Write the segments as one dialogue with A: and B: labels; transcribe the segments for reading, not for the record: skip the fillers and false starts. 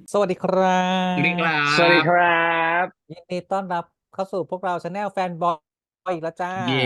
A: สวัสดีครั
B: สวัสดีครั
A: บ
C: สวัสดี
B: บ
C: ครับ
A: ยินดีต้อนรับเข้าสู่พวกเราชาแนลแฟนบอยอีกแล้วจ้า
B: เย้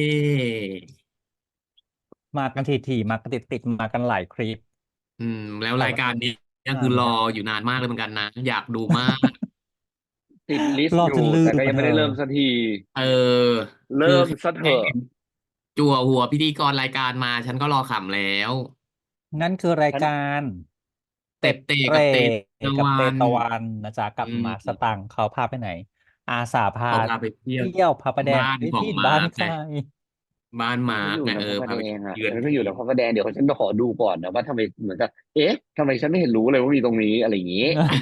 A: มากันทีมากันติดมากันหลายคลิป
B: แล้ว
A: แต่วันนี้
B: รายการนี้ก็คือรอ
A: มาไม่ได้
B: อยู่นานมากเลยเหมือนกันนะอยากดูมาก
C: ติดลิสต์อยู่
A: รอจนลื
C: แต่ก็
A: มมาเธอ
C: ยังไม่ได้เริ่มสักที
B: เออคือ
C: เริ่มซะเถอะ
B: แค่เห็นจั่วหัวพิธีกรรายการมาฉันก็รอขำแล้ว
A: งั้นคือราย
C: ฉัน
A: การ
B: เตะ
A: เต็ด
B: เตะ
A: เตร่
B: กับเตะตะ
A: กับเต
B: วัน
A: ตะวันนะจ๊ะกับ
B: อื
A: มาร์คส
B: ม
A: ตังค์เขาพาไปไหนอาสาพา
B: เขาพาไปเที่ยว
A: เที่ยวพาประแดง
B: บ้านของ
A: ที่
B: มาร์กไง
A: บ้านใคร
B: บ้านมา
C: เขาอยู่
B: ร์กไง
C: ในพระประแด
B: พาไป
C: งอ่ะ
B: เยือน
C: ถ้าอยู่ใน
B: ทีม
C: พระประแดงเดี๋ยวฉันขอดูก่อนนะว่าทำไมเหมือนกับเอ๊ะทำไมฉันไม่เห็นรู้เลยว่ามีตรงนี้อะไรอย่างนี้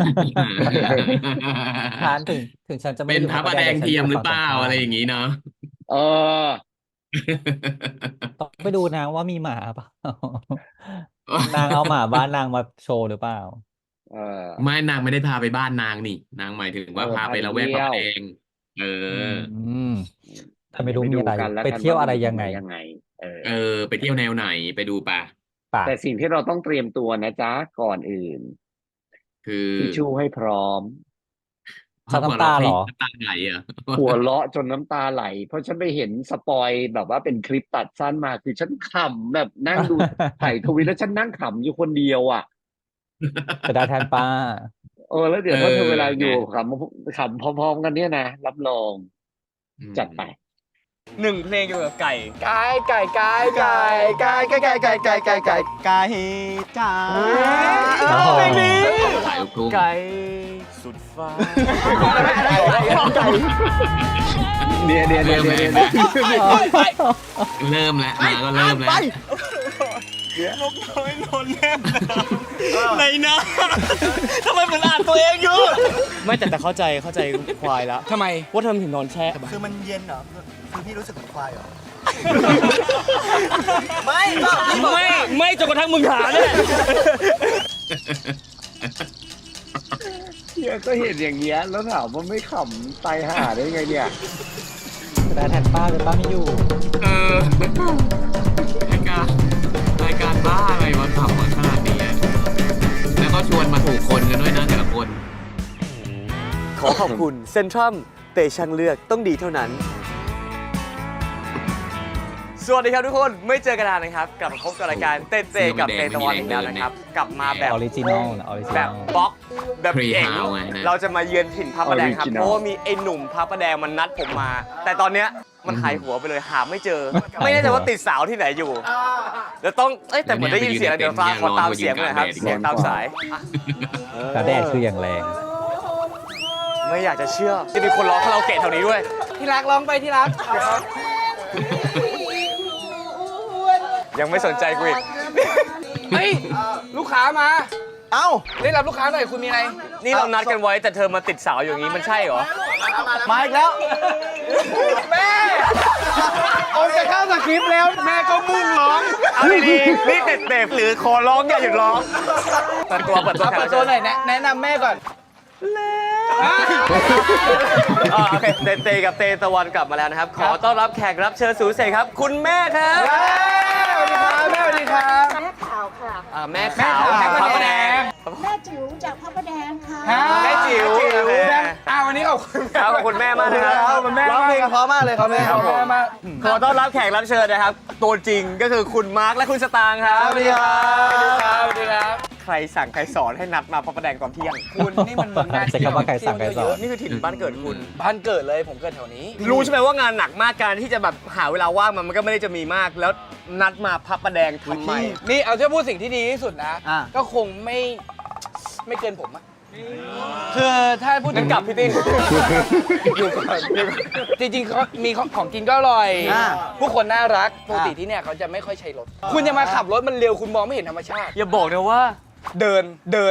A: ทานถึงฉันจะไม่
B: เป็น
A: ได้อยู่พระประแด
B: พระประแดง
A: งแต่ฉันอยู่
B: เทียมหรือเป
A: ฝั่งตรงข้า
B: ล่าอะไร
A: ม
B: อย่างนี้เนาะ
C: เออ
A: ต้องไปดูนะว่ามีหมาเปล่า นางเอาหมาบ้านนางมาโชว์หรือเปล่า
C: เออ
B: ไม่นางไม่ได้พาไปบ้านนางนี่นางหมายถึงว่าพา
C: พาไป
B: ไปละแวก
C: เที่ยว
B: พระประแดงเออ
A: อืมถ้าไม่
C: เดี๋ยวไปดู
A: รู้มีอะไร
C: กันแล้ว
A: ไปเที่ยว
C: กันว่ามัน
A: อะไรยังไง
C: อยู่ตรงไหนยังไงเออ
B: เออไปเที่ยวแนวไหนไปดูป่ะ
A: ป่ะ
C: แต่สิ่งที่เราต้องเตรียมตัวนะจ๊ะก่อนอื่น
B: คือ
C: ทิชชู่ให้พร้อม
A: ซับ
B: หัวเราะให้
A: น้ำตาเหรอ
B: น้ำตาไหลอ่ะ
C: หัวเราะจนน้ำตาไหลเพราะฉันไปเห็นสปอยแบบว่าเป็นคลิปตัดสั้นมาคือฉันขำแบบนั่งดูถ่ายทวีตแล้วฉันนั่งขำอยู่คนเดียวอ่ะ
A: จะได้แทนป้า
C: แล้ว
B: เอ
C: เดี๋ยวถ้าเธอเวลา
B: อไง
C: อยู่ขำพร้อมๆกันเนี่ยนะรับรอง
B: อื
C: จัดไป
B: ม
D: หนึ่งเพลงเกี่ยวกับไก่
E: ไก่ไก่ไก่ไก่ไก่ไก่ไก่ไก่ไก่ไก่ไก่ไก่จ๋า
A: โอ้โห
E: เพลงนี้
B: สายลูกทุ่ง
D: ไก่สุดฟ้า
E: ไก่
C: เนี่ย
B: เริ่มแล้วนะเริ่มแล้วมาก็เริ่มแล้ว
D: นกน้อยนอนแนบในน้ำทำไมเหมือนอ่านตัวเองอยู่ไม่แต่เข้าใจควายแล้ว
E: ทำไม
D: ว่าทำถึงนอนแช่
E: คือมันเย็นเหรอคือพี่รู้สึกเหมือนควายเหรอไม่ก็พี่บอก
D: ไม่จนกระทั่งมึงหาเนี่ย
C: เฮียก็เห็นอย่างเงี้ยแล้วถามว่าไม่ขำตายห่าได้ไงเนี่ย
A: จะได้แทนป้าเลยป้าไม่อยู่
B: เออรายการรายการบ้าอะไรวะทำมาขนาดนี้อะแล้วก็ชวนมาถูกคนกันด้วยนะแต่ละคน
D: ขอขอบคุณเซ็นทรัมเตชันเลือกต้องดีเท่านั้น สวัสดีครับทุกคนไม่เจอกันนานนะครับกลับมาพบกับรายการเต้เต้กับเตตะวันอีกแล้วนะครับกลับมาแบบ
A: ออริจินอลนะออริจิ
D: แบ
A: น
D: บ
A: อล
D: บล็อกแบบ
B: Free
D: เก่ง
B: House ไงนะ
D: เราจะมาเยือนถิ่นพระประแดงครับ
C: Original
D: เพราะว่ามีไอ้หนุ่มพระประแดงมันนัดผมมา แต่ตอนเนี้ยมันหายหัวไปเลยหาไม่เจอ ไม่แน่ใจว่าติดสาวที่ไหนอยู่เดี๋ยวต้องแต่เหมือนได้ยินเสียงเดี๋ยวฟ้าขอตามเสียงหน่อยครับเสียงตามสายอ่ะ
A: กระแดดคืออย่างแรง
D: ไม่อยากจะเชื่อจะมีคนร้องคาราโอเกะแถวนี้ด้วย
E: ที่รักร้องไปที่รัก
D: ยังไม่สนใจกูอีก
E: เฮ้ยลูกค้ามา
D: เอ้า
E: ได้รับลูกค้าหน่อยคุณมีอะไร
D: นี่เรานัดกันไว้แต่เธอมาติดสาวอย่างนี้มันใช่เหรอ
E: มาอีกแล้วแม่ออกจากข้าวสคริปต์แล้วแม่ก็มุ่งร้อง
D: เอาดีๆนี่เด็ดๆหรือขอร้องอย่าหยุดร้องเปิดตัวแขก
E: เปิ
D: รั
E: ด
D: บ
E: ตั
D: เชิ
E: ว
D: ญ
E: หน่อยแนะนำแม่ก่อน
D: โอเคเตกับเตตะวันกลับมาแล้วนะครับ ขอต้อนรับแขกรับเชิญสูงเสกครับ คุณแม่ครับ
E: สวัสดีครับแม่สวัสดีครับ
F: แม่ขาวค่ะ
D: แม่ขาว
E: แม่ขาว
D: พระประแดง
F: แม่จิ๋วจากพระประแดงค่ะ
D: แม่จิ๋ว
E: วันนี้ขอบคุณ
D: ครับขอบคุณแม่มากนะครับ
E: ขอบคุณแม่ร้องเพลงเพราะมากเลยครับแม่
D: ครับผม
E: มาก
D: ขอต้อนรับแขกรับเชิญนะครับ ตัวจริงก็คือคุณมาร์คและคุณสตางค์ครับ
E: สวัสดีครับสวัสดีครับ
D: ใครสั่งใครสอนให้นัดมาพระประแดงตอนเที่ยง
E: คุณนี่มันงาน
A: ใช้คำว่าใครสั่งใครสอน
D: นี่คือถิ่นบ้านเกิดคุณ
E: บ้านเกิดเลยผมเกิดแถวนี้
D: รู้ใช่ไหมว่างานหนักมากการที่จะแบบหาเวลาว่างมันก็ไม่ได้จะมีมาก แล้วนัดมาพับประแดงทำไม
E: นี่เอาจะพูดสิ่งที่ดีที่สุดนะ
D: อ่ะ
E: ก็คงไม่เกินผมอะคือถ้าพูดถึ
D: งั้
E: ง
D: นกลับพี่ติ้ง
E: อยู่ก่อนจริงๆเขามีของกินก็อร่อย ผู้คนน่ารักปกติที่เนี่ยเขาจะไม่ค่อยใช้รถ คุณจะมาขับรถมันเร็วคุณมองไม่เห็นธรรมชาติ
D: อย่าบอกนะว่า
E: เดิน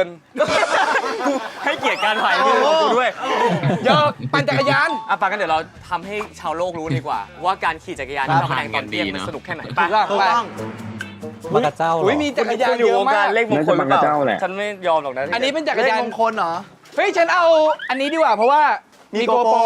D: ให้เกียรติการถ่ายรูปของกูด้วย
E: ยอกปั่นจักรยาน
D: ปากันเดี๋ยวเราทำให้ชาวโลกรู้ดีกว่า ว่าการขี่จักรยานที่พระประแดงตอนเที่ยงมันสนุกแค่ไหน
E: ถูกต้องไป
A: มากระเจ้าเหรอ
E: อุ้ยมีจักรยาน
D: อยู่
E: เยอะ
D: วง
E: มา
D: การ
E: ก
D: เลขมงคลหรือเป
C: น่าจะมากระเจ้าแห
D: ล่า
C: ละ
D: ฉันไม่ยอมหรอกนะ
E: อันนี้เป็นจักรยาน
D: เลขมงคลเหรอ
E: เฮ้ยฉันเอาอันนี้ดีกว่าเพราะว่ามีโกโปร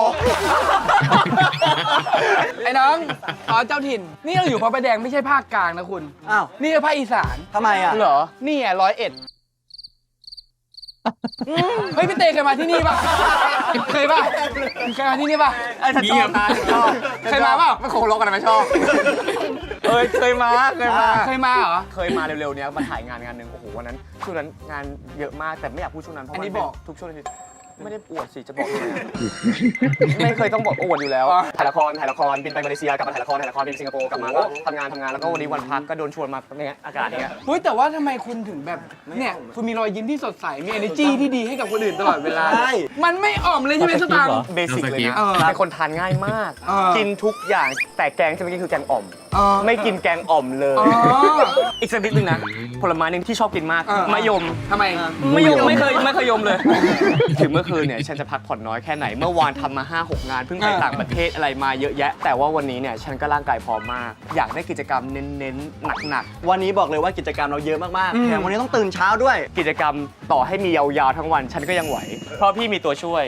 E: ไอ้น้องเจ้าถิ่น นี่เราอยู่พระประแดงไม่ใช่ภาคกลางนะคุณ
D: อ้าว
E: นี่คือภาคอีสาน
D: ทำไมอ่ะ
E: เหรอ นี่ไง101 เฮ้ยพี่เตเคยมาที่นี่ป่ะเคยป่ะเคยมาที่นี่ป่ะ
D: ไอ้ฉันชอบนะชอบ
E: เคยมาเปล่า
D: ไม่คงลกกันไม่ชอบเคยมา
E: เคยมาเหรอ
D: เคยมาเร็วๆเนี้ยมาถ่ายงานหนึ่งโอ้โหวันนั้นช่วงนั้นงานเยอะมากแต่ไม่อยากพูดช่วงนั้นเพราะ
E: อันนี้
D: มัเป็
E: บอก
D: ทุกช่วงเลยไม่ได้อวดสิจะบอกทำไมอะไม่เคยต้องบอกอวดอยู่แล้วถ่ายละครบินไปมาเลเซียกลับมาถ่ายละครบินไปสิงคโปร์กลับมาก็ทำงานแล้วก็วันนี้วันพักก็โดนชวนมาเนี่ยอากาศอย่างเงี้ย
E: เฮ้ยแต่ว่าทำไมคุณถึงแบบเนี่ยคุณมีรอยยิ้มที่สดใสมี energy ที่ดีให้กับคนอื่นตลอดเวลามันไม่อ่อมเลยใช่ไหมสตางค์
D: เบสิกเลยนะ
E: เออ
D: เป็นคนทานง่ายมาก กินทุกอย่างแต่แกงที่ไม่กินคือแกงอ่อม
E: อ๋อ
D: ไม่กินแกงอ่อมเลย
E: อ๋อ
D: อีกสักนิดนึงนะผลไม้หนึงที่ชอบกินมาก
E: เออ
D: มะยม
E: ทำไม
D: ไม่เคยยมเลย ถึงเมื่อคืนเนี่ยฉันจะพักผ่อนน้อยแค่ไหนเมื่อวานทำมา 5-6 งานเพิ่งไปต่างประเทศอะไรมาเยอะแยะ แต่ว่าวันนี้เนี่ยฉันก็ร่างกายพร้อมมาก อยากได้กิจกรรมเน้นๆหนัก
G: วันนี้บอกเลยว่ากิจกรรมเราเยอะมากๆแถมวันนี้ต้องตื่นเช้าด้วย
D: ๆกิจกรรมต่อให้มียาวๆทั้งวันฉันก็ยังไหว เพราะพี่มีตัวช่วย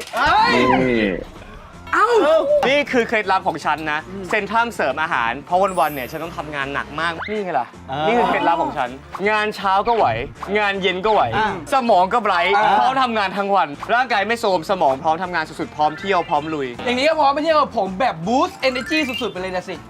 D: นี่คือเคล็ดลับของฉันนะเซนทรัมเสริมอาหารเพราะวันๆเนี่ยฉันต้องทำงานหนักมากนี่ไงล่ะ นี่คือเคล็ดลับของฉัน งานเช้าก็ไหว งานเย็นก็ไหว สมองก็ไบรท์พร้อมทำงานทั้งวัน ร่างกายไม่โทรมสมองพร้อมทำงานสุดๆพร้อมเที่ยวพร้อมลุย
E: อย่างนี้ก็พร้อมไปเที่ยวกับผมแบบ boost energy สุดๆไปเลยนะสิ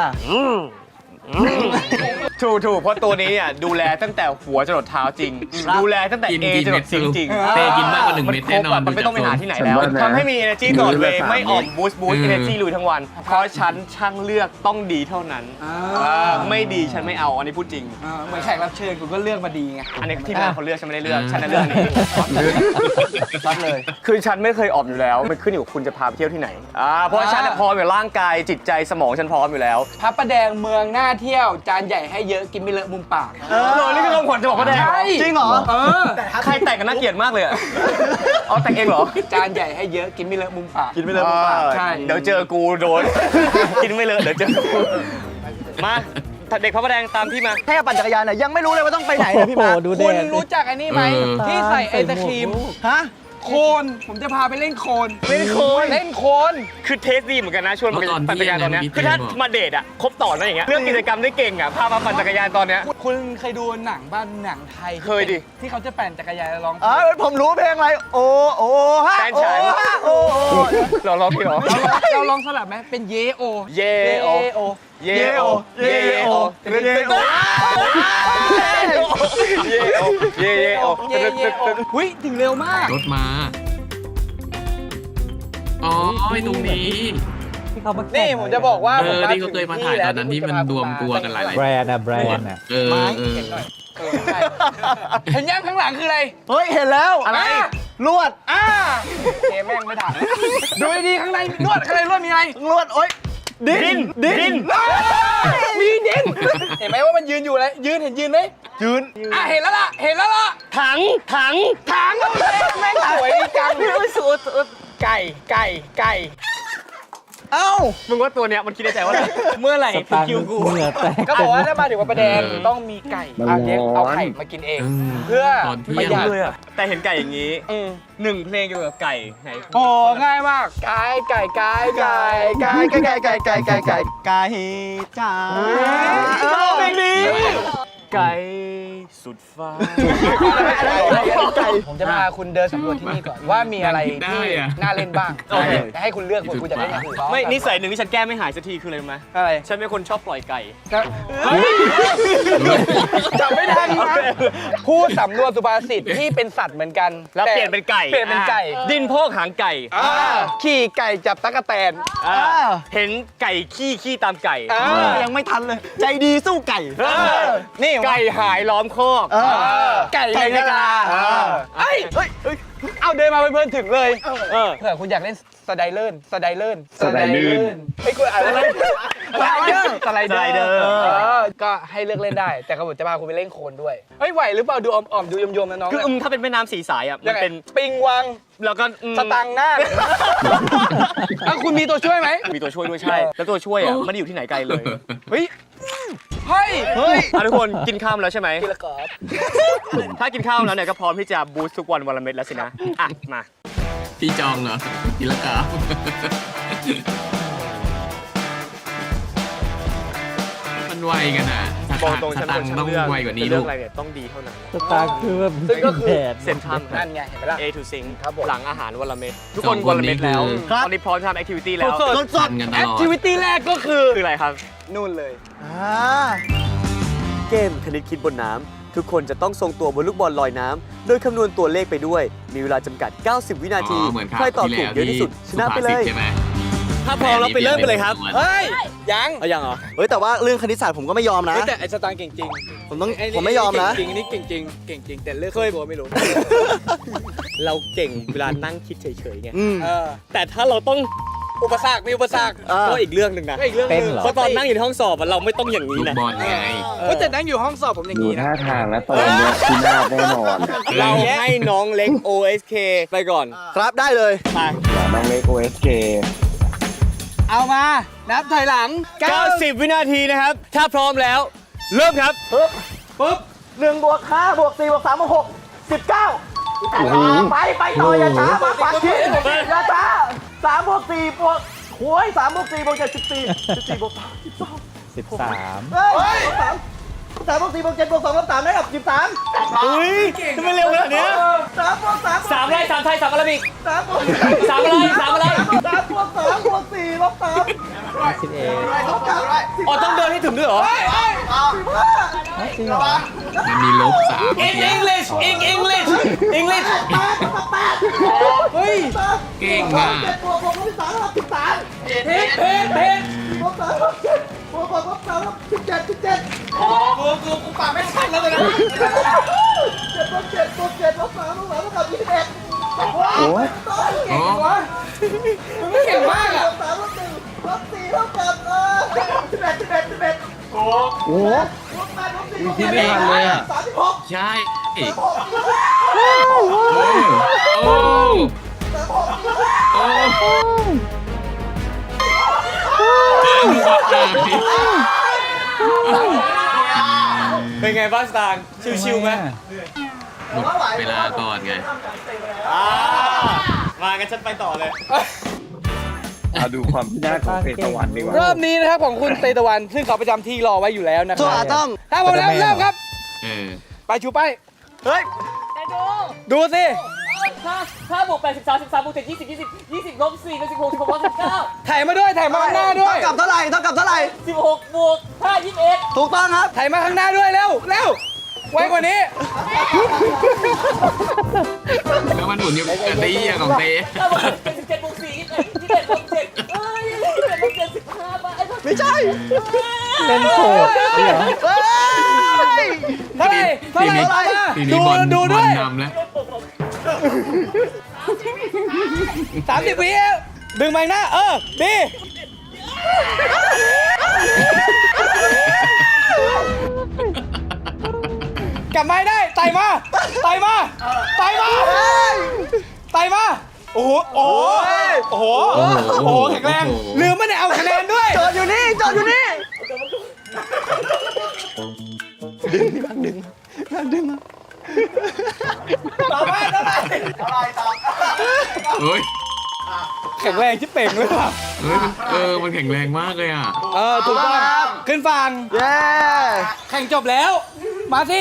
D: ถูกเพราะตัวนี้เนี่ยดูแลตั้งแต่หัวจรดเท้าจริง ดูแลตั้งแต่
B: กิน
D: A
B: กี่
D: จร
B: เม็
D: ด
B: ด
D: ซิงจริง
B: เตกินมากกว่า1 เม็ดแน่นอน
D: มันไม่ต้องไปหาที่ไหนแล้ว
C: ฉันว่านะ
D: ทำให้มี energy ตลอดเวย์
C: กินวันละ
D: ไม่อ่อม
C: 3
D: boost energy ลุยทั้งวัน เพราะฉันช่างเลือกต้องดีเท่านั้นไม่ดีฉันไม่เอาอันนี้พูดจริง
E: เหมือนแขกรับเชิญคุณก็เลือกมาดีไง
D: อันนี้ที่มาเขาเลือกฉันไม่ได้เลือกฉันน่ะเลือกอันนี้
E: รับเลย
D: คือฉันไม่เคยออมอยู่แล้วมันขึ้นอยู่กับคุณจะพาไปเที่ยวที่ไหนเพราะฉันน่ะพร้อมอยู่ร่างกายจิตใจสมองฉันพร้อมอยู่แล้ว
E: พระประแดงเมืองน่าเที่ยวจานใหญ่ให้เยอะกินไม่เลอะมุมปาก
D: นี่คือคำขวัญจะบอกว่าแดง
E: ใช่
G: จริงเหรอ
D: ใครแต่งกันน่าเกลียดมากเลยอะอ๋อแต่งเองเหรอ
E: จานใหญ่ให้เยอะกินไม่เลอะมุมปาก
G: กินไม่เลยมุมปาก
E: ใช่
D: เดี๋ยวเจอกูโดน กินไม่เลอะเดี๋ยวเจอกูมาเด็กพระประแดงตามพี่มา
G: แค่ปั่นจักรยานเนี่ยยังไม่รู้เลยว่าต้องไปไหนเลยพี่มาร์ค
A: ดูแด
E: คุณ
A: ด
E: รู้จักอันนี้ไหมที่ใส่ไอศครีม
G: ฮะ
E: โคน ผมจะพาไปเล่นโคน
D: เล่นโคน
E: เล่นโคน
D: คือเทสดีเหมือนกันนะชวนมา
B: เพราะตอน
D: ปั่นจักรยานตอนเนี้ย
B: ที่
D: คือถ้า
B: บอก
D: มาเดทอะครบต่อนะอย่างเงี้ยเรื่องกิจกรรมได้เก่งอะพามาปั่นจักรยานตอนเนี้ย
E: คุณเคยดูหนังบ้านหนังไทย
D: เคยดิ
E: ที่เขาจะปั่นจักรยานแล้วร้อง
G: ผมรู้เพลงอะไร โอ้โอ้ฮะ
D: แฟนฉัน
G: โอ้โอ้
D: เราร้องพี่เหรอ
E: เราลองสลับไหมเป็นเยโอ
D: เยโอ
E: โอ
D: เยโอเยโอเยโอเยโอเยโอ
E: เยโอหุ้ยถึงเร็วมาก
B: รถมา อ๋อไอ้ตรงนี้
A: ที่เขามาแข่ง
E: นี่ผมจะบอกว่า
B: เออที่เขาเคยมาถ่ายตอนนั้นที่มันรวมตัวกันหลายๆ
A: แบรนด์อะแบรนด์อะ
B: เออเออ
E: เห็นหน่อยใช่เห็นยังข้างหลังคืออะไร
G: เฮ้ย เห็นแล้ว
E: อะไร
G: ลวด
E: เกมแม่งไม่ถ่ายดูดีๆข้างในลวดข้างในลวดมีอะไร
G: ลวด โอ๊ย
D: ดิน
E: มีดิน เห็นไหมว่ามันยืนอยู่เลยยืนเห็นยืนไหม
G: ยืน
E: เห็นแล้วล่ะเห็นแล้วล่ะ
D: ถัง
E: ถังแม่งสวยดีจังไก่
G: เอ้า
D: มึงว่าตัวเนี้ยมันคิดในใจว่าอะไรเมื่อไหร่
A: ส
D: ถึง
A: ตางค์
D: คิวกู
A: เหงื่อแตก
E: ก็บอกว่าถ้ามาถึงวัดประแดงต้องมีไก่เลี้ยงเอาไข่มากินเอง เพื่อ
B: ตอนเที่
E: ประ
B: ยง
E: หยัด
D: เลยอะแต่เห็นไก่อย่างนี้หนึ่งเพลงเกี่ยวกับไก่ไหน
E: โอ้ง่ายมากไก่จ๋า
G: ไก่จ๋า
D: เพลงนี้ไก่สุดฟ้า
E: ผมจะพาคุณเดินสำรวจที่นี่ก่อนว่ามีอะไรที่น่าเล่นบ้าง
D: โอเค
E: จะให้คุณเลือกคุณจะเล่นอย่างอื่นบ้าง
D: ไม่นิสัยหนึ่งที่ฉันแก้ไม่หายสักทีคืออะไรรู้ไหม
E: อะไร
D: ฉันเป็นคนชอบปล่อยไก่
E: จับไม่ทันนะพูดสำนวนสุภาษิตที่เป็นสัตว์เหมือนกัน
D: แล้วเปลี่ยนเป็นไก่
E: เปลี่ยนเป็นไก่
D: ดินพอกหางไก่
E: ขี่ไก่จับตั๊กแตน
D: เห็นไก่ขี้ตามไก่
G: ยังไม่ทันเลย ใจดีสู้ไก่
E: นี่
D: ไก่หายล้อมคอก
E: ไก่ในกะลาเฮ้ยเอาเดินมาเพลินๆถึงเลยเผื่อคุณอยากเล่นสไลเดอร์ไอ้ยคุณอะไรสไลเดอร์ก็ให้เลือกเล่นได้ แต่ผมจะพาคุณไปเล่นโคลนด้วยเฮ้ยไหวหรือเปล่าดูอ่อมๆดูยมๆนะน้อง
D: คือถ้าเป็นแม่น้ำสีสายอ่ะมันเป็น
E: ปิงวัง
D: แล้วก็
E: สตังค์หน้าคุณมีตัวช่วยไหม
D: มีตัวช่วยด้วยใช่ แล้วตัวช่วยอ่ะไม่ได้อยู่ที่ไหนไกลเลย
E: เฮ้ย
D: ทุกคนกินข้าวแล้วใช่ไหม
E: กินละกอบ
D: ถ้ากินข้าวแล้วเนี่ยก็พร้อมที่จะบูสต์ทุกวันวันละเม็ดแล้วสินะอ่ะมา
B: พี่จองเหรอกินละกามันไวกันอ่ะสัก
D: บอกตรงฉันเป็นคนช่างเลือก
B: สตางค์ต้องไวกว่านี้
D: จะเลื
B: ลู
D: อก
B: ก
D: อะไรเนี่ยต้องดีเท่านั้น
A: สตาร์คือแบบ
D: ซึ่งก็คือ
A: แผน
D: เซ็นทรัม
E: นั่นไงเห็นไหมล่ะ
D: A to Sing
E: ครับผม
D: หลังอาหารวันละเม็ดทุก
B: ส
D: ค
B: อน งคน
D: วันละเม็ดแล้ว
B: นี้คือ
D: ตอนนี้พร้อมทำแอคทิวิตี้แล้ว
E: สด
B: ทันกันต
D: แอ
B: ล
D: ค
B: อด
D: ทิวิตี้แรกก็คืออะไรครับ
E: นู่นเลย
G: เกมคณิตคิดบนน้ำทุกคนจะต้องทรงตัวบนลูกบอลลอยน้ำโดยคำนวณตัวเลขไปด้วย มีเวลาจำกัด 90 วินาที
B: เหมือนครั
G: ใครตอบถูกเยอะที่สุด ชนะไปเลย
B: ใช่ไหม
G: ถ้าพร้อมแล้วไปเริ่มกันเลยครับ
E: เฮ้ย ยัง
G: เอายังเหรอเฮ้ยแต่ว่าเรื่องคณิตศาสตร์ผมก็ไม่ยอมนะ
E: เฮ้ยแต่ไอ้สตางค์เก่งจริง
G: ผมไม่ยอมนะ
E: เก่งจริงอันนี้เก่งจริงเก่งจริงแต่เลือกตัวไม่รู้
D: เราเก่งเวลานั่งคิดเฉยๆไง
G: อืม
E: เออ
D: แต่ถ้าเราต้อง
E: อุปสรรคมีอุปสรรค
D: ก็อีกเรื่องหนึ่งนะ
E: ก็อีกเรื่องหนึง
A: เต้นเหรอ
D: เพราะตอนนั่งอยู่ในห้องสอบอะเราไม่ต้องอย่างนี้
B: ลูก
D: นะ
B: บอลไง
E: เฮ้ยแต่นั่งอยู่ห้องสอบผมอย่าง
C: ดู
E: นี้นะ
C: ท่าทางแล้วตอนเนี้ยที่น่าแน่นอน
D: เราให้น้องเล็ก OSK ไปก่อน
G: ครับได้เลย
D: ไป
C: อย่าน้องเล็ก OSK
E: เอามา นับถอยหลัง
D: 90 วินาทีนะครับ ถ้าพร้อมแล้ว เริ่มครับ
E: ปุ๊บ
G: 1 บวก 5 บวก 4 บวก 3 บวก 6 19ไปต่ออย่าช้ามาปัดชิ้นอย่าช้า3 บวก 4 บวกโอ้ย3 บวก 4 บวก 7 14 14 บวก 3
A: 13
G: เฮ้ย3 บวก 4 บวก 7 บวก 2 บวก 3 ได้กับ 13
D: เฮ้ยทำไมเร็วขนาดเนี้ย
G: 3 บวก 3
D: สามอะไรสามไทยสามอาราบิก
G: 3 บวก
D: สามอะไรสามอะไร
G: 3 บวก 3 บวก 4 ลบ 3
A: 11
G: ลบ 9
D: อ๋อต้องเดินให้ถึงด้วยเหรอ
A: จริงเหรอ
B: มันมีลบ3
D: In English In English English
E: เฮ้ย
B: เก่งอ่ะ
G: 7 บวก 6 ลบ 13 ลบ 13
D: เพน
G: ลบ 3 ลบ 7 บวก 6 ลบ 3 ลบ 17
E: กูปากไม่ทันแล้วเลยนะ
G: 7 ลบ 7 บวก 7 ลบ 3 ลบ 3 ลบกับ 21
C: โอ้ย
B: โอ้
E: มึงไม่เก่งมากอ่ะ
G: ลบ 3 ลบ 1 ลบ 4 ลบกับ11
C: โอ้โห
G: ลบ 8 ลบ 4 ลบ
C: คิดไม่ทันเลยอะ
G: 36
B: ใช่โอ้โอ้โอ้
D: เป็นไงบ้างสตางค์ชิวๆไหม
B: หมดเวลาก่อนไง
D: มากันฉันไปต่อเลย
C: เอาดูความพินาศของเฟตะวันดีกว่า
E: รอบนี้นะครับของคุณเตตะวัน ซึ่งเขาประจำที่รอไว้อยู่แล้วนะค
G: ตัว
E: รับ
G: อาตอม
E: ถ้าพร้อมแล้วเริ่มครับ
B: เออ
E: ไปชูไป
G: เฮ้ย
E: ดูสิ
H: 5 บวก 8 13 13 บวก 7 20 20 20 ลบ 4 เป็น 16 16 ลบ 19
E: ถ่ายมาด้วยถ่ายมาข้างหน้าด้วย
G: เท่ากับเท่าไหร่
H: 16 บวก 5 21
G: ถูกต้องครับ
E: ถ่ายมาข้างหน้าด้วยเร็วเร็วไวกว่านี้
B: แล้วมันหมุนอยู่กับตีอย่างของเต้
H: 5 บวก 17 บวก 4 21 21 ลบ 7เอ้ย21 ลบ 7 15บาท
G: ไม่ใช่
A: เต้นโขดเหรอ
G: เฮ้ย
E: เท่าไหร่เท่า
B: ที
E: ไหร่
B: นี้
E: มา
B: ทีนี้บอล
E: ดู
B: บ
E: ด้
B: อ
E: ว
B: ล
E: ย
B: นำแล้ว
E: 30 วิดึงไปหน้าดีกลับมาให้ได้ไต่มาไต่มาไต่มาไต่มาโอ้โหโอ้โหโอ้โหโอ้โหแข็งแรงลืมไม่ได้เอาคะแนนด้วย
G: จอดอยู่นี่ จอดอยู่นี่
E: ต่อไปต่อไป
B: เฮ้ย
E: แข็งแรงที่เป่งเลยว่ะ
B: เฮ้ยมันแข็งแรงมากเลยอ่ะ
E: ถูกต้องขึ้นฝั่ง
G: เย้
E: แข่งจบแล้ว มาสิ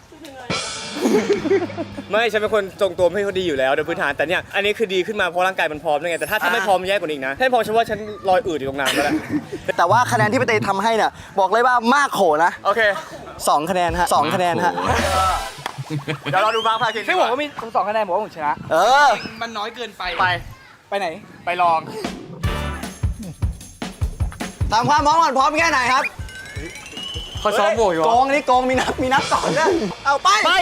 D: ไม่ฉันเป็นคนทรงตัวไม่ค่อยดีอยู่แล้วโดยพื้นฐานแต่เนี่ยอันนี้คือดีขึ้นมาเพราะร่างกายมันพร้อมด้วยไงแต่ถ้าไม่พร้อมแย่กว่านี้อีกนะถ้าไม่พร้อมฉันว่าฉันลอยอืดอยู่ตรงน้ำแล้วแหละ
G: แต่ว่าคะแนนที่พี่เตทำให้เนี่ยบอกเลยว่ามากโขนะ
D: โอเค
G: 2 คะแนนฮะ 2 คะแนนฮะ
D: เดี๋ยวเราดูบ้างภาคที่
E: ซึ่งผมก็มี2 คะแนนผมว่าผมชนะ
G: เออ
E: มันน้อยเกินไป
D: ไป
E: ไหน
D: ไปลอง
G: ตามความพร้อมก่อนพร้อมแค่ไหนครับ
D: เขาซ้อมโบอยู่
G: โกงนี่โกงมีนับก่อนนะเอาไป
D: ไป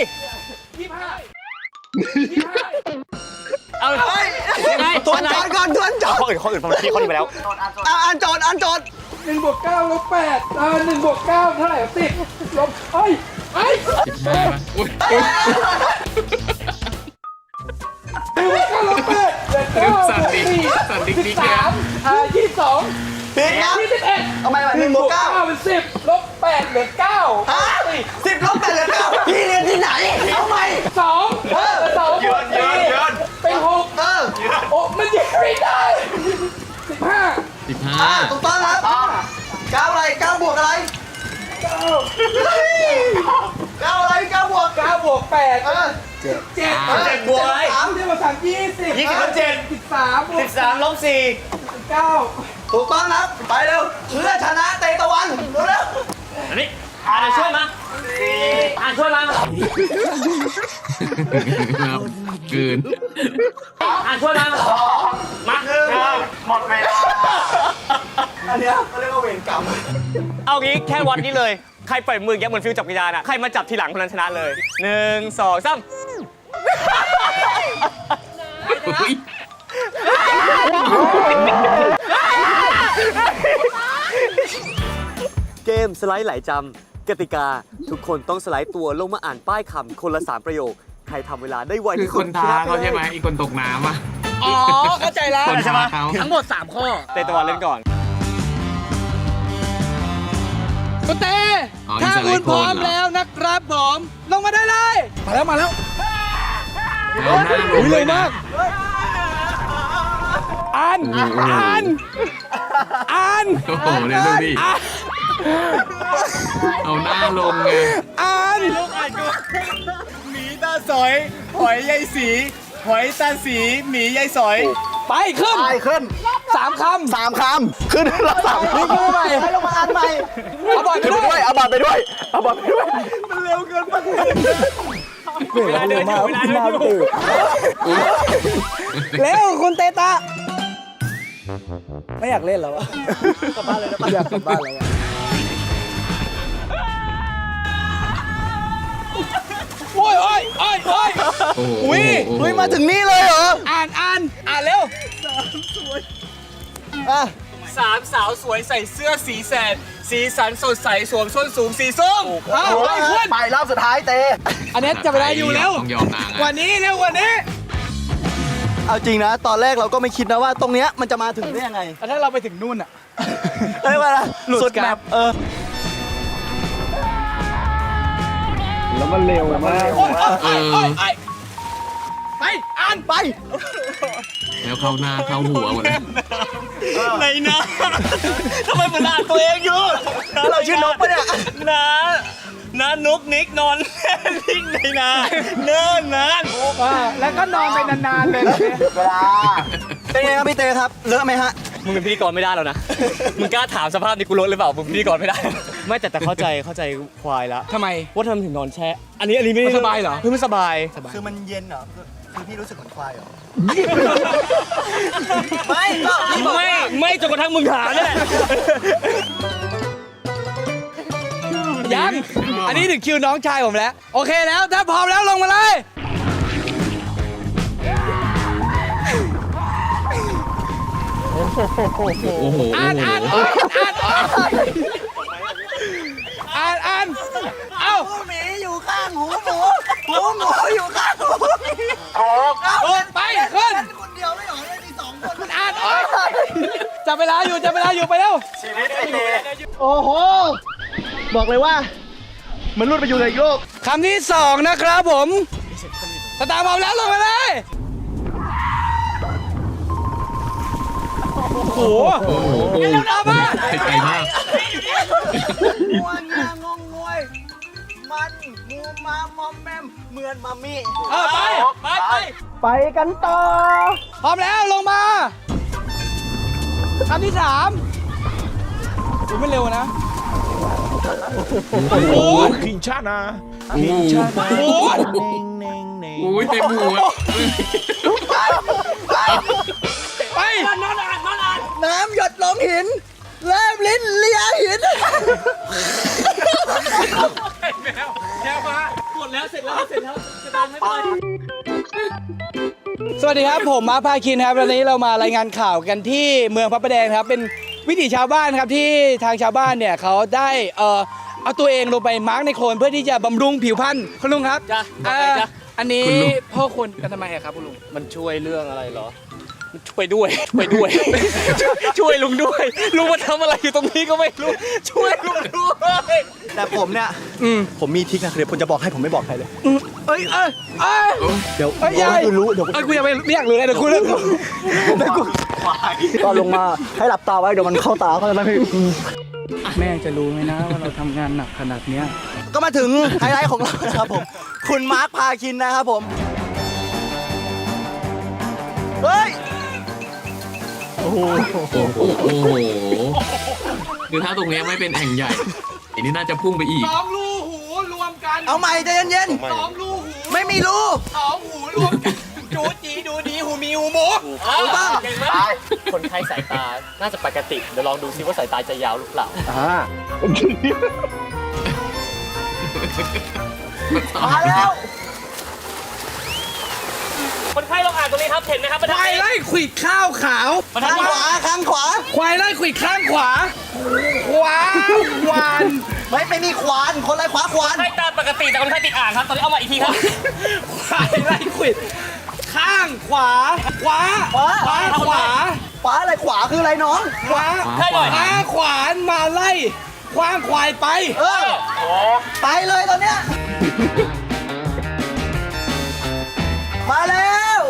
D: เอาไปยังไง
G: ทวนจอดก่อนทวนจอด
D: ข้ออื่นฟังที่ข้อนี้ไปแล้ว
G: อ่านโจทย์
E: 1 บวก 9 ลบ 8 1 บวก 9 เท่าไหร่10 ลบเฮ้ย
B: 15ป่ะอุ้ย
E: 9 ลบ 8 9
B: สั่นดิสั่นดิ๊กดิ๊กเลยอะ
E: 22
G: ผิดนะ
E: 21
G: ทำไมวะ1 บวก 9
E: เป็น10 ลบ 8 เหลือ 9
G: ฮะ10 ลบ 8 เหลือ 9พี่เรียนที่ไหน เอาใหม่
E: 22
D: เยือน
E: เป็น6โอ้มันยังไม่ได้15
B: 15
G: ถูกต้องครับ9อะไร9บวกอะไร
E: 9
G: 9อะไร9บวก
E: 9 บวก 8 7 บวกอะไร
G: 3ที่มาสั่ง20
D: 20ลบ7
G: 13บวก
D: 13ลบ4
G: 9ถูกต้องครับ ไปเร็วเพื่อชนะเตตะวันเร็ว
D: อันนี้ช่วยมาช่วยมา
B: ครับเกิน
D: ช่วยมามา
G: หมดเวลาอันเนี้ยเขาเรียกว่าเวรกรรม
D: เอางี้แค่วัดนี้เลย ใครปล่อยมืออย่างเงี้ยเหมือนฟิวจับกีฬาน่ะ ใครมาจับทีหลังคนนั้นชนะเลย 1 2 3
B: อุ๊ย
D: เกมสไลด์ไหลจำกติกา ทุกคนต้องสไลด์ตัวลงมาอ่านป้ายคำคนละ 3 ประโยค ใครทำเวลาได้ไว
B: คือ
D: ที่
B: ค
D: สุด
B: นท้าเขาใช่ไหมอีกคนตกน้ำอ่ะ
E: อ๋อ เข้าใจแล้ว
B: คนท้าเขา
E: ทั้งหมด 3 ข้อ
D: เตะตะวันเล่นก่อน
E: คุณเต้
B: อ๋อ
E: ถ้า
B: นี่สไล
E: คุณ
B: ด์
E: พร้อม
B: โคนเหรอ
E: แล้วนะครับผม ลงมาได้เลย มาแล้ว
B: เอาหน้าลงเลยนะ
E: อ่าน
B: โอ้โห
E: อ่าน
B: โอ้โหเดี๋ยวดูดิเอาหน้าลงไง
E: อ่าน
D: หมีตาสอย หอยยายสี หอยตาสี หมียายสอย
E: ไปขึ้น
G: ไปขึ้น
E: 3 คำ
G: 3 คำ ขึ้นเรา3
E: นี่คือใหม่
G: ให้ลงมาอ่านใหม่
E: เอาบอลไป
G: ขึ้น
E: ด้
G: ไป
E: วย
G: ด้วยเอาบัตรไปด้วยเอาบัตรไปด้วย
D: เวลาเดินอยู่เวลาเดินอยู่
E: เร็วคุณเตตะ ไม่อยากเล่นแล้วอะกลับบ้านเลยนะอยากกลับบ้านแล้วอะโอ้ยโอ้ยโอ้ยโอ้ย
B: โอ้โห
E: อุ๊ย
B: โอ้โห
G: เฮ้ยมาถึงนี่เลยเหรอ
E: อ่านเร็ว
G: อ่ะ
D: 3 สาวสวยใส่เสื้อสีแสด สีสันสดใสสวมส้นสูงสีส้ม
E: อ้าวไปขึ้น
G: ไปรอบสุดท้ายเต
E: อันนี้จะเวลาอยู่แล้ว
B: ต้องยอมนาง
E: กว่า
B: อ่ะ
E: นี้เร็วกว่านี้
G: เอาจริงนะ ตอนแรกเราก็ไม่คิดนะว่าตรงเนี้ยมันจะมาถึงได้ยังไง
E: แล้วถ้าเราไปถึงนู่นอะ
G: เฮ้ยว่า
E: หลุด
G: สุด
E: กราฟ
G: แมปแล้วมันเร็วมาก
E: โอ้ยโอ้ยโอ้ยโอ้ยไป อ่านไป
B: แล้วเข้าหน้าเข้าหัวหมดเลย
D: ในนะทำไมเหมือนอ่านตัวเองอยู่
G: เราชื่อนกปะเนี่ย
D: นะนุกนิกนอนนิ่งในนาเนิ่นนาน
E: แล้วก็นอนไปนานๆเลย
G: เวลา เป็นไงครับพี่เตครับ เลอะไหมฮะ
D: มึงเป็นพิธีกรไม่ได้แล้วนะ มึงกล้าถามสภาพนี้กูลดหรือเปล่า มึงเป็นพิธีกรไม่ได้ ไม่แต่เข้าใจควายแล้ว
E: ทำไม
D: ว่าทำไมถึงนอนแช่ อันนี้ไม่
E: มันสบายเหรอ
D: เพื่อมันสบาย
G: คือมันเย็นเหรอ คือพี่รู้สึกเหมือนควายเหรอ ไม่ก็พี่บอกว่า
D: ไม่จนกระทั่งมึงถามนี่แหละ
E: ยัง อันนี้ถึงคิวน้องชายผมแล้ว โอเคแล้ว ถ้าพร้อมแล้วลงมาเลย
B: โอ้โห
E: อ่านอ่านอ่านอ่านเอ้า
G: หูหมีอยู่ข้างหูหมูหูหมูอยู่ข้างหูหมี
E: ไปขึ้น
G: คนเดียวไม่หรอเลยมี2 คน
E: อ่านจับเวลาอยู่ไปเร็ว
G: โอ้โห บอกเลยว่าเหมือนรุดไปอยู่ในโลก
E: คำที่ 2 นะครับผมสตาร์พร้อมแล้วลงมาเลย โอ้โห
B: โอ้โห
E: เร็วๆมา
B: ไกลมาก
G: งวงงางงงวย มันมูมามอมแมมเหมือนมามี่
E: ไปกันต่อ พร้อมแล้วลงมาคำที่ 3ไม่เร็วนะ โอ้โห
B: พิงชานะโอ้
E: โอ้โห
B: โหเต็มหัว
E: ไป
G: น้ำหยดลงหินแลบลิ้นเลียหิน
E: สวัสดีครับผมมาพาคินครับวันนี้เรามารายงานข่าวกันที่เมืองพระประแดงครับเป็นวิถีชาวบ้านครับที่ทางชาวบ้านเนี่ยเขาได้เอาตัวเองลงไปมาร์กในโคลนเพื่อที่จะบำรุงผิวพรรณคุณลุงครับ
D: จ้ะบอกเลยจ้ะ
E: อันนี้พ่อคนกันทำไมอะครับคุณลุง
D: มันช่วยเรื่องอะไรเหรอ มันช่วยด้วย ช่วยลุงด้วย ลุงมาทำอะไรอยู่ตรงนี้ก็ไม่รู้ ช่วยลุงด้วย
G: แต่ผมเนี่ยผมมีทริคนะเดี๋ยวผมจะบอกให้ผมไม่บอกใครเลย
E: เอ้ย
G: เดี๋ยว
E: เอ้ย
G: บอก
E: ยาย
G: ให้คุณรู้เดี๋ยว
E: เอ้ยกูยังไม่อยากรู้เลยเดี๋ยวกูเลิก
G: ตอนลงมาให้หลับตาไว้เดี๋ยวมันเข้าตาเขาจะไม่ให้
E: แม่จะรู้ไหมนะว่าเราทำงานหนักขนาดเนี้ย
G: ก็มาถึงไฮไลท์ของเราครับผม คุณมาร์คพาคินนะครับผม เฮ้ย
B: โอ้โหคือถ้าตรงเนี้ยไม่เป็นแอ่งใหญ่อันนี้น่าจะพุ่งไปอีก
E: สองรูหูรวมกัน
G: เอาใหม่ใจเย็น
E: สองรูหู
G: ๆ ไม่มีรู
E: สองหูรวมกันจูจีดูดีหูมีหูหมู
G: ถูกต้อง
H: เก่งมากคนไข้สายตา น่าจะปกติ เดี๋ยวลองดูซิว่าสายตาจะยาวหรือเปล่า
G: มาแล้ว
H: คนไข้ลองอ่านตรงนี้ครับ เห็นไหมครับบรรทัด
E: ควาย
H: นี้
E: ไล่ขวิดข้าวขาว
H: บรรทัด
G: ข้าง
H: นี้
G: ขวาข้างขวา
E: ควายไล่ขวิดข้างขวา ขวาหวาน
G: ไม่มีขวาน คนไรขวาขวาน
H: ไข้ตาปกติแต่คนไข้ติดอ่างครับ ตอนนี้เอามาอีกทีครับ
E: ควายไล่ขวิดข้างขวา ขวา
G: ขวา
E: ขวาขวา
G: ขวาอะไรขวาคืออะไรน้อง
E: ขวา
H: ให้หน่อย
E: ขวาขวานมาไล่คว้างควายไป
G: เออ ไปเลยตอนเนี้ย มาแล้ว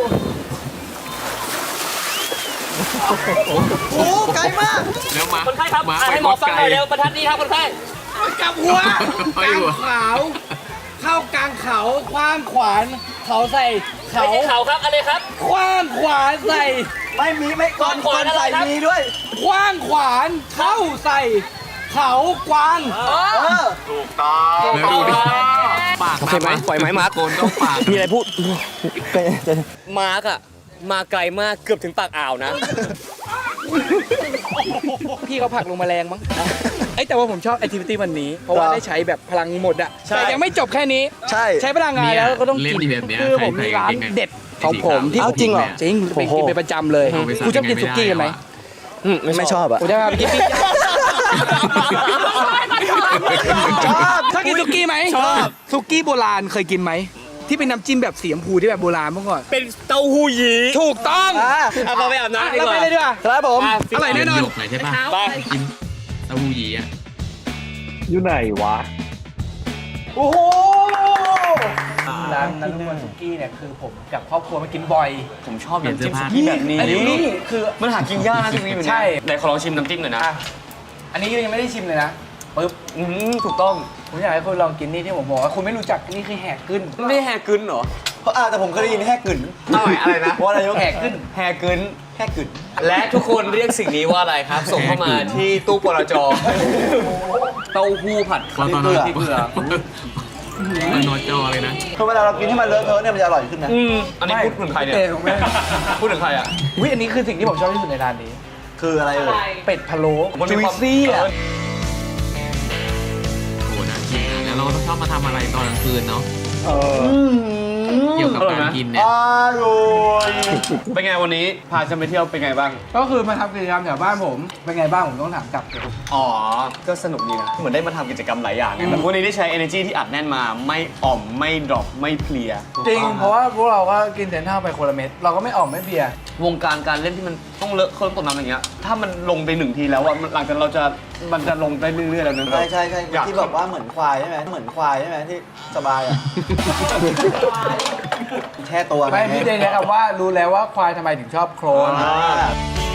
G: โอ้ไกลมาก
B: แล้วมา
H: คนไข้ครับ
B: มา
H: อ่านให้หมอฟังหน่อยเร็วบรรทัดนี้ครับคนไข้
E: กับหัว
B: ไป
E: กลาง
B: หัว
E: ขาวเข้ากลางเขาคว้างขวานเขาใส่เขา
H: ไม่ใช่เขาครับอะไรครับ
E: คว้างขวานใส่
G: ไม่มีไม่ก่อน
H: ขวานอะไร
G: ใส่
H: ครับ
G: มีด้วย
E: คว้างขวานเข้าใส่เขากวาง
G: เออ
B: แล้วดูดิปาก
D: โอเคไหมปล่อยไหมมาร์ค
B: โกนต้องปาก
D: มีอะไรพูด มาร์กอะมาไกลมากเกือบถึงปากอ่าวนะ
E: พี่เขาผลักลงแมลงมั้งไอ้แต่ว่าผมชอบแอคทิวิตี้วันนี้ เพราะว่าได้ใช้แบบพลังหมดอะ
D: ใช่
E: แต่ยังไม่จบแค่นี้
G: ใช่
E: ใช้พลังงานแล้วก็ต้อง
B: เล่น
E: กิน
B: ดีแบบเนี้ย
E: คือผมมีร้าน
B: ใครๆ
E: เด็ดของผมที่
G: เอาจริงเหรอ
E: จริงไปกินเป็นประจำเลย
B: เอาไปสั่ง
E: คุณชอบกินสุกี้กันไหม
G: ไม่ชอบอ่ะ
E: ผมจะพาไปกินปิ้งย่าง
G: ชอบ
E: ชอบกินสุกี้ไหมชอบสุกี้โบราณเคยกินไหมที่เป็นน้ำจิ้มแบบสีชมพูที่แบบโบราณเมื่อก่อน
D: เป็นเต้าหู้ยี้
E: ถูกต้อง
D: เอามาไปอาบน้ำดี
E: เรา
D: ก
E: ไป
D: ว่า
E: เลยดีกว่า
G: ครับผม
E: อร่อยแน่นอน
B: หยกหน่อยใช่ป่ะ
D: ไป
B: กินเต้าหู้ยี้อ่ะ
C: อยู่ไหนวะ
G: โอ้โห
E: ร้านนันทวันสุกี้เนี่ยคือผมกับครอบครัวมากินบ่อย
D: ผมชอบน้ำจิ้มสุกี้แบบนี้
E: อันนี้คือ
D: มันหากินยากนะสุกี้แบบนี้
E: ใช่
D: ไหนขอลองชิมน้ำจิ้มหน่อยนะ
E: อ่ะอันนี้ยังไม่ได้ชิมเลยนะปึ๊บ
D: ถูกต้อง
E: ผมอยากให้คุณลองกินนี่ที่ผมบอกว่าคุณไม่รู้จักนี่คือแหกขึ้น
D: ไม่แฮกึนเหรอ
G: แต่ผมเคยได้ยินแฮกกึ่น
D: อะไรนะ
G: ว่าอะไรยก
E: แหกขึ้น
D: แฮกึน
G: แฮกกึ่น
D: และทุกคนเรียกสิ่งนี้ว่าอะไรครับ ส่งเข้ามาที่ตู้ปลจเต้าหู้ผัด
B: ตอนนอน
D: ที่เกลือ
B: นอนจอเลยนะ
G: คือเวลาเรากินให้มันเลอะเทอะเนี่ยมันจะอร่อยขึ้นนะ
D: อันนี้พูดถึงใครเนี่ย
E: เตะของแม่
D: พูดถึงใครอ่ะ
E: วิอันนี้คือสิ่งที่ผมชอบที่สุดในร้านนี้
G: คืออะไรเอ่ย
E: เป็ดพะโล้
D: มันมี
E: จุย
D: ความ
E: ซี่อ่ะ
B: โอ้โหน่ากินนะแล้วเราต้องชอบมาทำอะไรตอนกลางคืนเนาะ
G: เออ
B: เกี่ยวกับการกินเนี่ย
G: อร่อย
D: เป็นไงวันนี้พาฉันไปเที่ยวเป็นไงบ้าง
E: ก็คือมาทำกิจกรรมแถวบ้านผมเป็นไงบ้างผมต้องถามกลับ
D: อ๋อ ก็สนุกดีนะ เหมือนได้มาทำกิจกรรมหลายอย่างไงแต่วันนี้ได้ใช้ energy ที่อัดแน่นมา ไม่อ่อม ไม่ดรอป ไม่เพลีย
E: จริงเพราะว่าพวกเราก็กินเซนท่าไปคนละเม็ดเราก็ไม่ออกไม่เบียร์
D: วงการการเล่นที่มันต้องเลอะเคลิ้มตกน้ำอย่างเงี้ย ถ้ามันลงไปหนึ่งทีแล้วอะหลังจากมันจะลงได้เรื่อยๆแล้วนะ
G: ใช่ใช่ใช่
D: อยาก
G: ที่บอกว่าเหมือนควายใช่ไหมเหมือนควายใช่ไหมที่สบายอ่ะ แช่ตัว
E: ไม่พี่เจนนะครับว่ารู้แล้วว่าควายทำไมถึงชอบโคลน
G: อ่า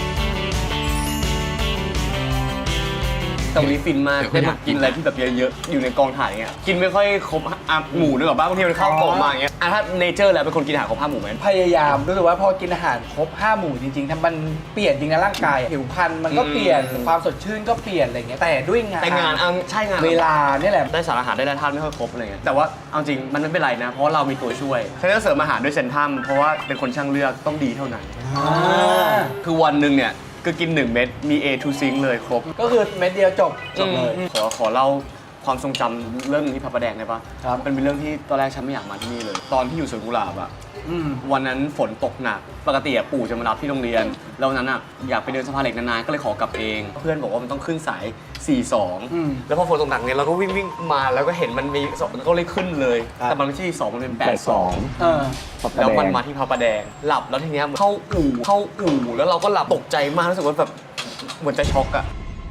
D: แต่วันนี้ฟินมาก ได้มากินอะไรที่แบบเยอะๆ อยู่ในกองถ่ายอย่างเงี้ย กินไม่ค่อยครบหมูนึกออกป่ะบางทีมันเข้ากล่องมาอย่างเงี้ยถ้าเนเจอร์แล้วเป็นคนกินอาหารครบ5 หมู่ไหม
E: พยายามรู้สึกว่าพอกินอาหารครบ5 หมู่จริงๆถ้ามันเปลี่ยนจริงนะร่างกายผิวพรรณมันก็เปลี่ยนความสดชื่นก็เปลี่ยนอะไรเงี้ยแต่ด้วยงาน
D: แต่งานใช่งาน
E: เวลาเนี่ยแหละ
D: ได้สารอาหารได้แร่ธาตุไม่ค่อยครบอะไรเงี้ย แต่ว่าเอาจริงมันไม่เป็นไรนะ เพราะว่าเรามีตัวช่วยฉันจะเสริมอาหารด้วยเซนทัมเพราะว่าเป็นคนช่างเลือกต้องดีเท่านั้น คือวันหนึ่งเนี่ยก็กิน 1 เม็ดมี A to Zinc เลยครบ
E: ก็คือเม็ดเดียวจบเลย
D: ขอเล่าความทรงจำเรื่องหนึงที่พระประแดงได้ปะ
E: ครับ
D: เป็นเรื่องที่ตอนแรกฉันไม่อยากมาที่นี่เลย ตอนที่อยู่สวนกุหลาบอะวันนั้นฝนตกหนัก ปกติอะปู่จะมารับที่โรงเรียน แล้ววันนั้นอะอยากไปเดินสะพานเหล็กนานๆก็เลยขอกลับเอง เพื่อนบอกว่ามันต้องขึ้นสาย 42 แล้วพอฝนตกหนักเนี่ยเราก็วิ่งมาแล้วก็เห็นมันมี2ก็เลยขึ้นเลย แต่มันไม่ใช่2มันเป็น82
E: เออ
D: แล้วมันมาที่พระประแดงหลับแล้วทีเนี้ยเข้าอู่แล้วเราก็หลับตกใจมากรู้สึกว่าแบบเหมือนจะช็อกอะ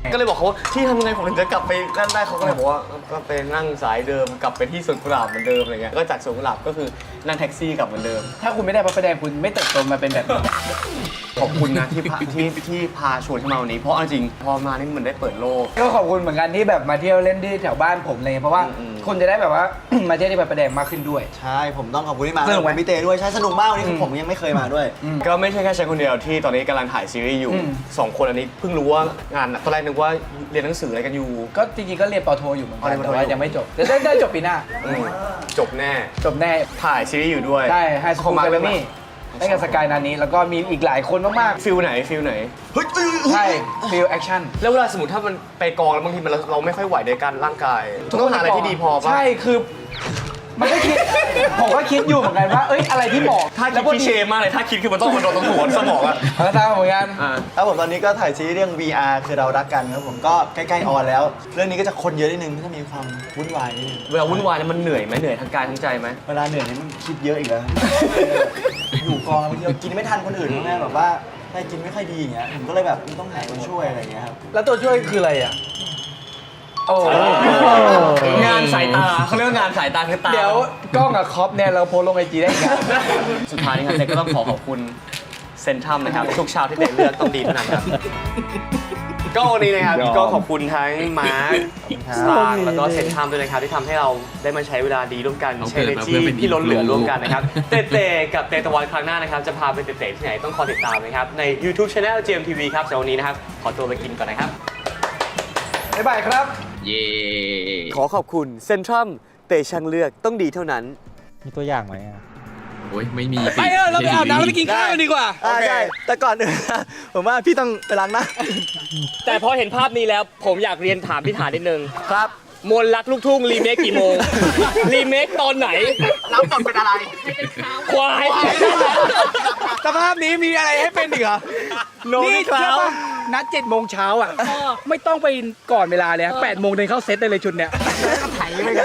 D: ก็เลยบอกเขาว่าที่ทำยังไงผมถึงจะกลับไปนั่นได้เขาก็เลยบอกว่าก็ไปนั่งสายเดิมกลับไปที่สวนกุหลาบเหมือนเดิมอะไรเงี้ยก็จากสวนกุหลาบก็คือนั่งแท็กซี่กลับเหมือนเดิม
E: ถ้าคุณไม่ได้พระประแดงคุณไม่เติบโตมาเป็นแบบนี้
D: ขอบคุณนะที่พาชวนเข้ามาวันนี้เพราะเอาจริงพอมานี่มันได้เปิดโลก
E: ก็ขอบคุณเหมือนกันที่แบบมาเที่ยวเล่นที่แถวบ้านผมเลยเพราะว่า
D: อืม
E: คนจะได้แบบว่า มาเที่ยวที่พระประแดงมากขึ้นด้วย
G: ใช่ผมต้องขอบคุณที่มา
E: สนุกไหม
G: พี่เต้ด้วยใช่สนุกมากวันนี้คือผมยังไม่เคยมาด้วย
D: ก็ไม่ใช่แค่ฉันคนเดียวที่ตอนนี้กำลังถ่ายซีรีส์อยู่
E: อืม
D: 2 คนอันนี้เพิ่งรู้ว่างานตอนแรกนึกว่าเรียนหนังสืออะไรกันอยู่
E: ก็จริงๆก็เรียนปอโทอยู่เหมือน
D: อ๋อ
E: กั
D: เรี
E: น
D: ยนปอโท
E: แต่ว่ายังไม่จบจะได้จบปีหน้า
D: อืมจบแน่
E: จบแน่
D: ถ่ายซีรีส์อยู่ด้วย
E: ใช่ไฮสคูล
D: มา
E: แกร
D: เรื่อง
E: มมี่ได้กับสกายนานี้แล้วก็มีอีกหลายคนมาก
D: ฟิลไหนฟิลไหน
E: ๆใช่ฟิลแอคชั่น
D: แล้วเวลาสมมติถ้ามันไปกองแล้วบางทีเราไม่ค่อยไหวในการร่างกายต้องหาอะไรที่ดีพอป่ะ
E: ใช่คือ มันก็คิด ผมก็คิดอยู่เหมือนกันว่า เอ้ยอะไรที่เหมาะ
D: ถ้าคิ
E: แล้
D: ด
E: วพอ
D: คี
E: ดี
D: เชมากเลยถ้าคิดคือมันต้องมันโดนตรงหัวสมองอะ
E: ตามเหมือนกัน
G: ครับผมตอนนี้ก็ถ่ายซีรีส์เรื่อง VR คือเรารักกันครับผมก็ใกล้ๆออนแล้ว เรื่องนี้ก็จะคนเยอะนิดนึงก็จะมีความวุ่นวายนิดนึง
D: เวลาวุ่นวายแล้วมันเหนื่อยไหมเหนื่อยทั้งกายทั้งใจไหม
G: เวลาเหนื่อยนี่มันคิดเยอะอีกแล้ว อยู่กองบางทีเรากินไม่ทันคนอื่นแม่แบบว่าได้กินไม่ค่อยดีอย่างเงี้ยผมก็เลยแบบต้องหาคนช่วยอะไรอย่างเงี้ยครับ
E: แล้วตัวช่วยคืออะไรอ่ะ โอ้
D: งานสายตาเขาเรียกว่างานสายตาคือตา
E: เดี๋ยวกล้องกับคอปเนี่ยเราโพสลงไอจีได้ไง
D: สุดท้ายนี้ครับเต้ก็ต้องขอบคุณเซนทรัมนะครับทุกเช้าที่เต้เลือกต้องดีเท่านั้นครับก็วันนี้นะครับ
C: ยอม
D: ก็ขอบคุณทั้งมาร์คสตาร์แล้วก็เซนทรัมด้วยนะครับที่ทำให้เราได้มาใช้เวลาดีร่วมกัน
B: เรา
D: ใช้
B: เกิด
D: เอ
B: มา
D: จี
B: เพื่อเป็น
D: ที่ล้นเหลือ
B: influ
D: ร่วมกันนะครับเต้กับเตตะวันครั้งหน้านะครับจะพาไปเตะที่ไหนต้องคอยติดตามนะครับใน YouTube Channel GMTV ครับสำหรับวันนี้นะครับขอตัวไปกินก่อนนะครับ
E: บ๊ายบายครับ
B: เย่
D: ขอขอบคุณเซนทรัมเตะช่างเลือกต้องดีเท่านั้น
A: มีตัวอย่างไหมอ่ะ
B: โอ้ยไม่มี
E: ไปเราไปอาบน้ำแล้วไปกินข้าวกันดีกว่า
G: ใช่แต่ก่อนอื่น ผมว่าพี่ต้องไปล้างหน้า
H: แต่พอเห็นภาพนี้แล้วผมอยากเรียนถามพี่ฐานนิดนึง
G: ครับ
H: มนต์รักลูกทุ่งรีเมคกี่โมง รีเมคตอนไหน
G: แล้วก่อนเป็นอะไร
H: ควาย
E: สภาพนี้มีอะไรให้เป็นอีกเหรอ นี่เชื่อป่ะนัด7 โมงเช้าอ่ะ ไม่ต้องไปก่อนเวลาเลย8 โมงเดินเข้าเซตได้เลยชุดเนี้ย
G: ไถไปกัน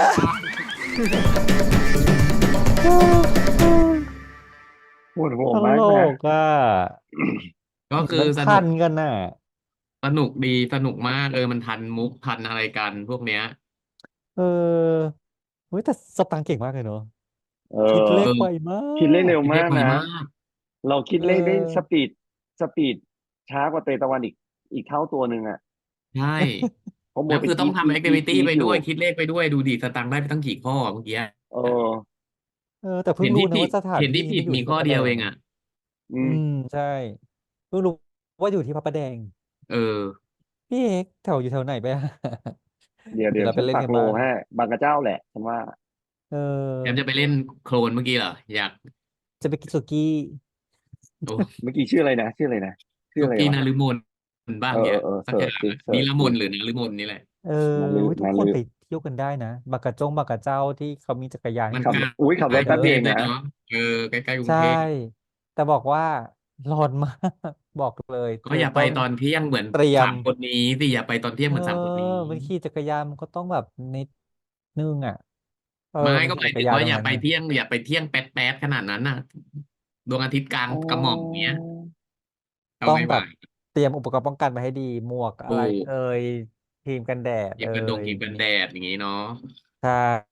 C: ปวดหัว
A: ต
C: มาก
A: ล
C: นะ
A: กอ่ะ
B: ก็คือ
A: มัน
B: ส
A: ทั
B: นุ
A: น
B: ก
A: กันน่ะ
B: สนุกดีสนุกมากมันทันมุกทันอะไรกันพวกเนี้ย
A: เออเฮ้ยแต่สตังค์เก่งมากเลยเนอะ
C: เอ
A: คิด
C: อ
A: เลขไวมาก
C: คิดเลขเร็ว
B: เรี
C: มาย ก
B: กไว
C: นะ
B: มาก
C: เราคิดเลขได้
A: เออ
C: สปีดช้ากว่าเตตะวันอีกเท่าตัวหนึ่งอ่ะ
B: ใช่
C: เพราะโม
B: แล้ว
C: ไป
B: คือต้องทำแอคทิวิตี้
C: คิด
B: ไป
C: อยู่
B: ด้วยคิดเลขไปด้วยดูดิสตังค์ได้ไปตั้งกี่ข้อเมื่อกี้
C: เออ
A: แต่เพิ่
B: เห็
A: ง
B: น
A: รู้
B: ที่
A: นะ
B: ผิด
A: ว่าสถาน
B: เห็นที่
A: ที่
B: ผิด
A: อยู่
B: มี
A: ที่
B: ข้อ
A: พระประ
B: เดี
A: แด
B: ยว
A: ง
B: เองอ่ะ
C: อืม
A: ใช่เพิ่งรู้ว่าอยู่ที่พระประแดง
B: เออ
A: พี่เอกแถวอยู่แถวไหนไปอะ
C: เดี๋ยว
A: เดี๋ยวเรา
C: ฉั
A: ไป
C: น
A: เล่น
C: ปัก
A: กัน
C: โล
A: บ้าง
C: ให้บางกระเจ้าแหละฉันว่า
A: เออ
B: แอมจะไปเล่นโคลนเมื่อกี้เหรออยาก
A: จะไปกินสุกี้
B: โอ้
C: เมื่อกี้ชื่ออะไรนะชื่ออะไรนะชื่อ
B: ทุ
C: อะไร
B: กี้
C: วะ
B: นาฤมลบ้างเนี่ย
C: เออ
B: สัก
C: เสิ
B: อ
C: ร์ช
B: ย่าง
C: สิ
B: อะ
C: เสิร์ช
B: นิรม
C: สิ
B: นหรือนาฤมลนี่แหละ
A: เออ
C: นาลือ
A: เฮ้ยทุก
C: นา
A: คน
C: ลือ
A: ไปเที่ยวกันได้นะบากกะจงบากกะเจ้าที่เขามีจักรยาน
B: มัน
A: ให้
C: ขับ
A: ขี่
B: ใกล้
C: ขับรถแป๊บ
B: กรุ
C: เดี
B: ง
C: ยว
B: เทพด้วย
C: นะ
B: เนาะใกล้ๆกรุง
A: ใช่
B: เทพ
A: แต่บอกว่าร้อนมาก บอกเลยเธ
B: ก็
A: อ
B: อย่าไป
A: ต้อง
B: ตอนเที่ยงเหมือน
A: เตรียม
B: สามคนนี้สิอย่าไปตอนเที่ยงเหมือนสามคนนี้
A: มันขี่จักรยานมันก็ต้องแบบนิดนึงอ่ะ
B: ไม่
A: มัน
B: ก็ห
A: จั
B: มาย
A: กร
B: ถึง
A: ยาน
B: ว่า
A: ตรง
B: อย่า
A: นั้น
B: ไป
A: น่ะ
B: เที่ยงอย่าไปเที่ยงแป๊ดๆขนาดนั้นน่ะดวงอาทิตย์กลาง
C: อ๋อก
B: ระหม่อมเงี้ยเอา
A: ต้อง
B: ไม่ไห
A: แบ
B: ว
A: บเตรียมอุปกรณ์ป้องกันมาให้ดีหมวกอะ
B: ถู
A: ไร
B: ก
A: ครีมกันแดด
B: ครีมกันแดดอย่างงี้เนาะ
A: ใช่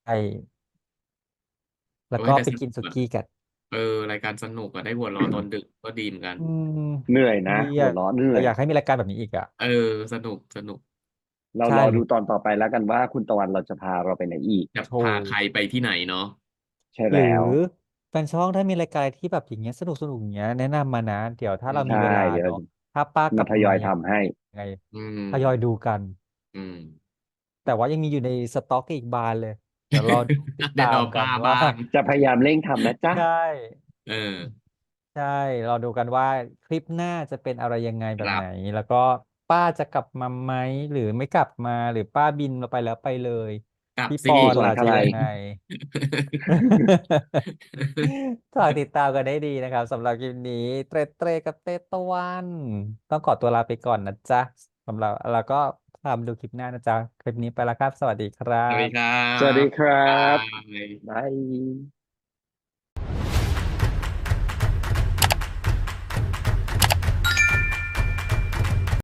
A: แล้ว
B: โอ้
A: ก็
B: ยแต่
A: ไป
B: ส
A: กิน
B: นุก
A: สุ
B: อะ
A: กี้กัน
B: รายการสนุกอะได้หัวเราะตอนดึกก็ดีเหมือนกัน
A: อืม
C: เหนื่อยนะ
A: ดี
C: หัว
A: อ่ะ
C: เราะเหนื่อ
A: แต่
C: ย
A: อยากให้มีรายการแบบนี้อีกอ่ะ
B: สนุก
C: เรา
A: ใช่
C: รอดูตอนต่อไปแล้วกันว่าคุณตะวันเราจะพาเราไปไหนอีก
B: จะ
A: ถู
B: พาก ใครไปที่ไหนเนาะ
C: ใช่
A: หรื
C: แล้ว
A: อแฟนช่องถ้ามีรายการที่แบบอย่างเงี้ยสนุกอย่างเงี้ยแนะนำมานะ เดี๋ยวถ้าเรามี
C: ใช่
A: เวลา
C: เดี๋ยว
A: เนาะถ้าป้ากลั
C: มา
A: บ
C: ทยอย
A: มา
C: ทำให้
A: ยังไง
B: อืม
A: ทยอยดูกัน
B: อืม
A: แต่ว่ายังมีอยู่ในสต็อกอีกบานเลย เดี๋ยวรอติด
B: เดี๋ยว
A: ตาม
B: รอ
A: กั
B: ป้าน
A: ว่า
B: บ้าง
C: จะพยายามเร่งทำนะจ๊ะ
A: ใช่
B: เออ
A: ใช่รอดูกันว่าคลิปหน้าจะเป็นอะไรยังไงแบ
B: ค
A: บ
B: รับ
A: ไหน แล้วก็ป้าจะกลับมาไหมหรือไม่กลับมาหรือป้าบินเราไปแล้วไปเลย
B: กลับ
A: พี่
B: สิ
A: ปอน
C: สว
A: ล่ะ
C: นท
A: จะ
C: ลาย
A: ยังไง ฝากติดตามกันได้ดีนะครับสำหรับคลิปนี้เตรเตรกับเตตะวัน ต้องขอตัวลาไปก่อนนะจ๊ะสำหรับแล้วก็ตามดูคลิปหน้านะจ๊ะ คลิปนี้ไปแล้วครับ สวัสดีครั
B: สวัสดี
A: บ
B: ครั
C: สวัสดี
B: บ
C: ครับ
B: บ๊ายบาย
C: บาย